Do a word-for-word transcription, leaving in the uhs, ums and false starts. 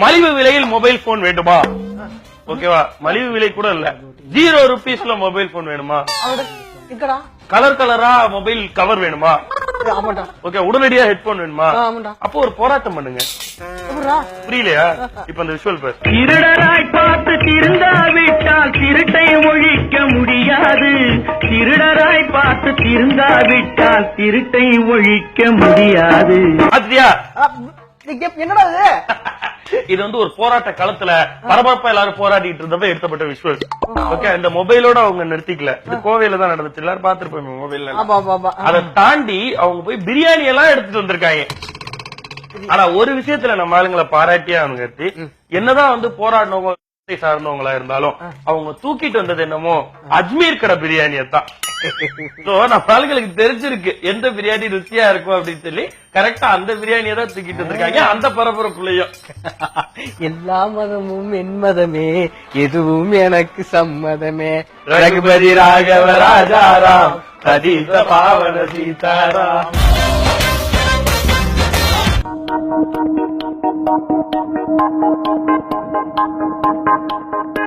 மலிவு விலையில் mobile phone வேண்டுமா? ஓகேவா? மலிவு விலை கூட இல்ல, ஜீரோ ருபீஸ்ல மொபைல் போன் வேணுமா? கலர் கலரா மொபைல் கவர் வேணுமா? ஓகே, உடனடியா ஹெட்போன் வேணுமா? அப்போ ஒரு போராட்டம் பண்ணுங்க. புரியலையா? இப்ப அந்த விஷுவல் பேர் திருடராய் பார்த்து திருந்தாவிட்டால் திருட்டை ஒழிக்க முடியாது. திருடராய் பார்த்து திருந்தாவிட்டால் திருட்டை ஒழிக்க முடியாது. அதுயா என்னடா இது வந்து ஒரு போராட்ட களத்துல பரபரப்பா எல்லாரும் போராடிட்டு இருந்தப்ப எடுத்தப்பட்ட விஷுவல். ஓகே, இந்த மொபைலோட அவங்க நிறுத்திக்கல. இது கோவையில தான் நடந்துச்சு, எல்லாரும் பாத்துருப்போம் மொபைல்ல. அதை தாண்டி அவங்க போய் பிரியாணி எல்லாம் எடுத்துட்டு வந்திருக்காங்க. ஆனா ஒரு விஷயத்துல நம்ம ஆளுங்களை பாராட்டியே அவங்க, என்னதான் வந்து போராடினவங்க சார்ந்தவங்களா இருந்தாலும் அவங்க தூக்கிட்டு வந்தது என்னமோ அஜ்மீர் கடை பிரியாணியத்தான். நம்ம ஆளுங்களுக்கு தெரிஞ்சிருக்கு எந்த பிரியாணி ருசியா இருக்கும் அப்படின்னு சொல்லி கரெக்டா அந்த பிரியாணியை தான் தூக்கிட்டு வந்திருக்காங்க. அந்த பரபரப்புலையும் எல்லா மதமும் என் மதமே, எதுவும் எனக்கு சம்மதமே. ரகுபதி ராகவ ராஜாராம், அதீத பாவன சீதாராம். Thank you.